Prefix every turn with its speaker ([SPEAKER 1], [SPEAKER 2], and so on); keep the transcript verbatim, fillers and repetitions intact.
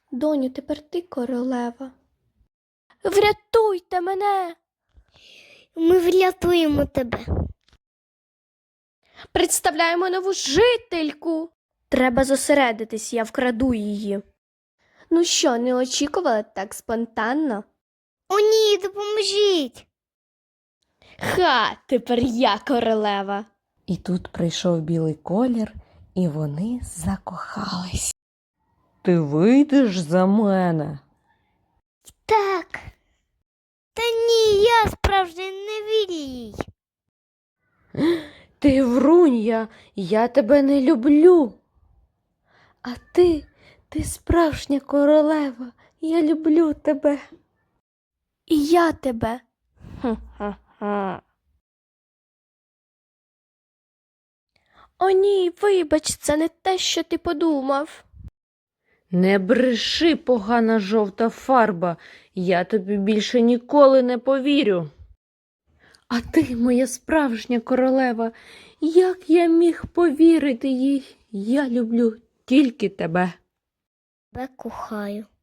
[SPEAKER 1] Доню, тепер ти королева. Врятуйте мене!
[SPEAKER 2] Ми врятуємо тебе.
[SPEAKER 1] Представляємо нову жительку. Треба зосередитись, я вкраду її. Ну що, не очікувала так спонтанно?
[SPEAKER 2] О, ні, допоможіть.
[SPEAKER 1] Ха, тепер я королева.
[SPEAKER 3] І тут прийшов білий колір, і вони закохались. Ти вийдеш за мене?
[SPEAKER 2] Так. Та ні, я справжній, не вірю їй.
[SPEAKER 3] Ти врунья, я тебе не люблю. А ти, ти справжня королева, я люблю тебе.
[SPEAKER 1] І я тебе. Ха-ха-ха. О ні, вибач, це не те, що ти подумав.
[SPEAKER 3] Не бреши, погана жовта фарба, я тобі більше ніколи не повірю. А ти, моя справжня королева, як я міг повірити їй? Я люблю тільки тебе.
[SPEAKER 2] Тебе кохаю.